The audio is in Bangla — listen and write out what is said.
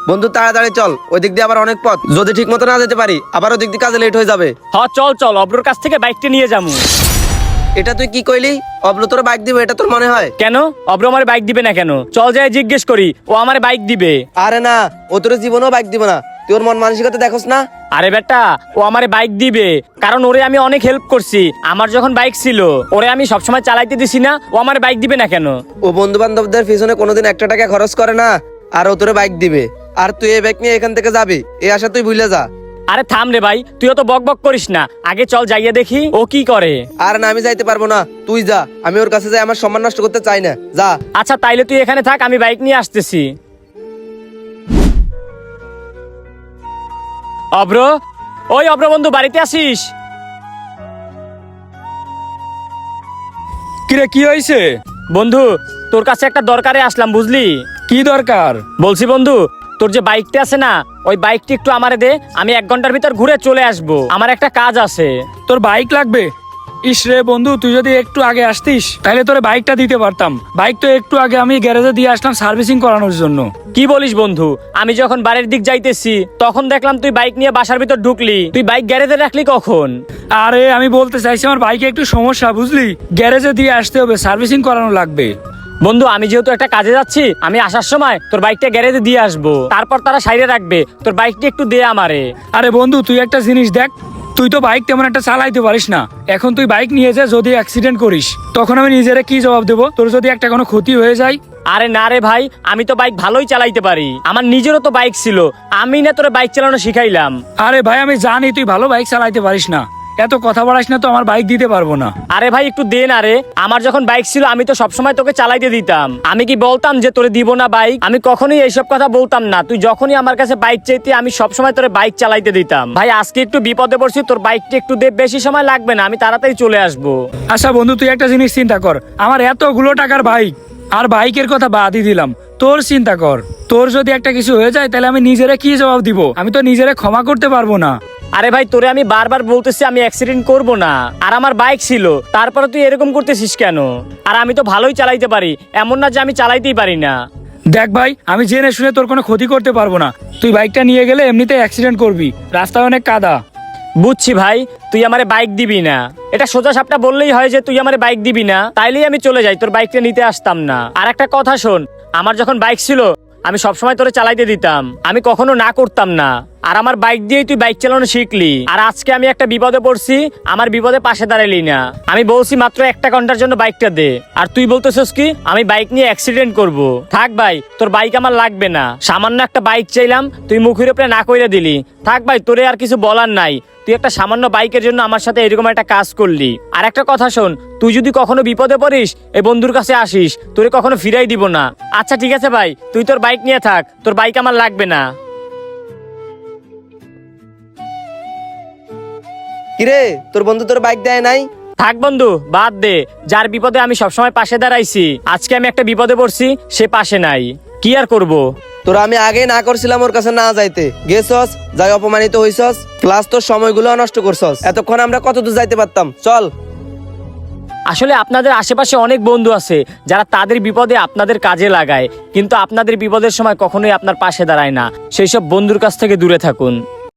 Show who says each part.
Speaker 1: বন্ধু তাড়াতাড়ি চল, ওই দিক দিয়ে আবার অনেক পথ, যদি ঠিক মতো না যেতে পারি আবার ওই দিক দিয়ে কাজে লেট হয়ে যাবে।
Speaker 2: চল চল, অব্রোর কাছ থেকে বাইকটা নিয়ে যাবো।
Speaker 1: এটা তুই কি কইলি? অব্র তোর বাইক দিবে এটা তোর মনে হয়?
Speaker 2: কেন অব্র আমার বাইক দিবে না কেন? চল যাই জিজ্ঞেস করি, ও আমার বাইক দিবে।
Speaker 1: আরে না, ও তোর জীবনেও বাইক দিবে না, তুই ওর মন মানসিকতা দেখোস না।
Speaker 2: আরে বেটা, ও আমার বাইক দিবে কারণ ওরে আমি অনেক হেল্প করছি। আমার যখন বাইক ছিল ওরে আমি সবসময় চালাইতে দিছি না, ও আমার বাইক দিবে না কেন?
Speaker 1: ও বন্ধু বান্ধবদের পিছনে কোনোদিন একটা টাকা খরচ করে না, আর ও তোর বাইক দিবে, আর তুই এই বাইক নিয়ে এখান থেকে যাবি, এই আশা তুই ভুলে যা।
Speaker 2: আরে থাম রে ভাই, তুইও তো বক বক করিস না, আগে চল যাইয়া দেখি ও কি করে।
Speaker 1: আর না, আমি যাইতে পারবো না, তুই যা, আমি ওর কাছে যাই, আমার সম্মান নষ্ট করতে চাই না, যা।
Speaker 2: আচ্ছা তাইলে তুই এখানে থাক, আমি বাইক নিয়ে আসতেছি। অব্র, ওই অব্র বন্ধু, বাড়িতে আসিস?
Speaker 3: কিরে কি হয়েছে?
Speaker 2: বন্ধু তোর কাছে একটা দরকারে আসলাম, বুঝলি?
Speaker 3: কি দরকার?
Speaker 2: বলছি বন্ধু, তোর যে বাইকটা আছে না, ওই বাইকটি একটু আমারে দে, আমি 1 ঘন্টার ভিতর ঘুরে চলে আসবো, আমার একটা কাজ আছে।
Speaker 3: তোর বাইক লাগবে? ইস রে বন্ধু, তুই যদি একটু আগে আসতিস তাহলে তোর বাইকটা দিতে পারতাম। বাইক তো একটু আগে আমি গ্যারেজে দিয়ে আসলাম সার্ভিসিং করানোর জন্য।
Speaker 2: কি বলিস বন্ধু? আমি যখন বাড়ির দিক যাইতেছি তখন দেখলাম তুই বাইক নিয়ে বাসার ভিতর ঢুকলি, তুই বাইক গ্যারেজে রাখলি কখন?
Speaker 3: আরে আমি বলতে চাইছি আমার বাইকে একটু সমস্যা, বুঝলি, গ্যারেজে দিয়ে আসতে হবে, সার্ভিসিং করানো লাগবে।
Speaker 2: বন্ধু আমি যেহেতু একটা কাজে যাচ্ছি, আমি আসার সময় তোর বাইকটা গ্যারেজে দিয়ে আসবো, তারপর তারা সাইডে রাখবে, তোর বাইকটা একটু দে আমারে।
Speaker 3: আরে বন্ধু তুই একটা জিনিস দেখ, তুই তো বাইক তেমন একটা চালাইতে পারিস না, এখন তুই বাইক নিয়ে যা, যদি অ্যাক্সিডেন্ট করিস তখন আমি নিজেরা কি জবাব দেবো? তোর যদি একটা কোনো ক্ষতি হয়ে যায়?
Speaker 2: আরে না রে ভাই, আমি তো বাইক ভালোই চালাইতে পারি, আমার নিজেরও তো বাইক ছিল, আমি না তোর বাইক চালানো শিখাইলাম।
Speaker 3: আরে ভাই আমি জানি তুই ভালো বাইক চালাইতে পারিস না, এত কথা বাড়াস না তো, আমার বাইক দিতে পারবো না।
Speaker 2: আরে ভাই একটু দে না রে, আমার যখন বাইক ছিল আমি তো সবসময় তোকে চালাইতে দিতাম, আমি কি বলতাম যে তোরে দিব না বাইক? আমি কখনোই এইসব কথা বলতাম না, তুই যখনই আমার কাছে বাইক চাইতি আমি সবসময় তোরে বাইক চালাইতে দিতাম। ভাই আজকে একটু বিপদে পড়ছি, তোর বাইকটা একটু দে, বেশি সময় লাগবে না, আমি তাড়াতাড়ি চলে আসবো।
Speaker 3: আচ্ছা বন্ধু তুই একটা জিনিস চিন্তা কর, আমার এতগুলো টাকার বাইক, আর বাইকের কথা বাদই দিলাম, তোর চিন্তা কর, তোর যদি একটা কিছু হয়ে যায় তাহলে আমি নিজেরা কি জবাব দিব? আমি তো নিজেরা ক্ষমা করতে পারবো না।
Speaker 2: আরে ভাই তোরে আমি বারবার বলতেছি আমি অ্যাক্সিডেন্ট করব না, আর আমার বাইক ছিল, তারপরে তুই এরকম করতেছিস কেন? আর আমি তো ভালোই চালাইতে পারি, এমন না যে আমি চালাইতেই পারি না।
Speaker 3: দেখ ভাই, আমি জেনে শুনে তোর কোনো ক্ষতি করতে পারবো না, তুই বাইকটা নিয়ে গেলে এমনিতে অ্যাক্সিডেন্ট করবি, রাস্তায় অনেক কাদা।
Speaker 2: বুঝছি ভাই, তুই আমারে বাইক দিবি না, এটা সোজা সাপটা বললেই হয় যে তুই আমারে বাইক দিবি না, তাইলেই আমি চলে যাই, তোর বাইকটা নিতে আসতাম না। আর একটা কথা শোন, আমার যখন বাইক ছিল আমি সবসময় তোরে চালাইতে দিতাম, আমি কখনো না করতাম না, আর আমার বাইক দিয়েই তুই বাইক চালানো শিখলি। আর আজকে আমি একটা বিপদে পড়ছি, আমার বিপদে পাশে দাঁড়ালি না, আমি বলছি মাত্র 1 ঘন্টার জন্য বাইকটা দে, আর তুই বলতেছিস কি আমি বাইক নিয়ে অ্যাক্সিডেন্ট করব। থাক ভাই, তোর বাইক আমার লাগবে না, সামান্য একটা বাইক চাইলাম, তুই মুখের উপরে না কইরা দিলি। থাক ভাই, তোরে আর কিছু বলার নাই, তুই একটা সামান্য বাইকের জন্য আমার সাথে এরকম একটা কাজ করলি। আর একটা কথা শোন, তুই যদি কখনো বিপদে পড়িস এই বন্ধুর কাছে আসিস, তোরে কখনো ফিরাই দিব না। আচ্ছা ঠিক আছে ভাই, তুই তোর বাইক নিয়ে থাক, তোর বাইক আমার লাগবে না।
Speaker 1: কিরে তোর বন্ধু তোর বাইক দেয় নাই?
Speaker 2: থাক বন্ধু, বাদ দে, যার বিপদে আমি সবসময় পাশে দাঁড়াইছি, আজকে আমি একটা বিপদে পড়ছি, সে পাশে নাই, কি আর করব?
Speaker 1: তোরা আমি আগে না করছিলাম ওর কাছে না যাইতে, গেছস, যাই অপমানিত হইছস, প্লাস তোর সময়গুলো নষ্ট করছস, এতক্ষণ আমরা কত দূর যাইতে পারতাম, চল।
Speaker 2: আসলে আপনাদের আশেপাশে অনেক বন্ধু আছে যারা তাদের বিপদে আপনাদের কাজে লাগায়, কিন্তু আপনাদের বিপদের সময় কখনোই আপনার পাশে দাঁড়ায় না, সেই সব বন্ধুর কাছ থেকে দূরে থাকুন।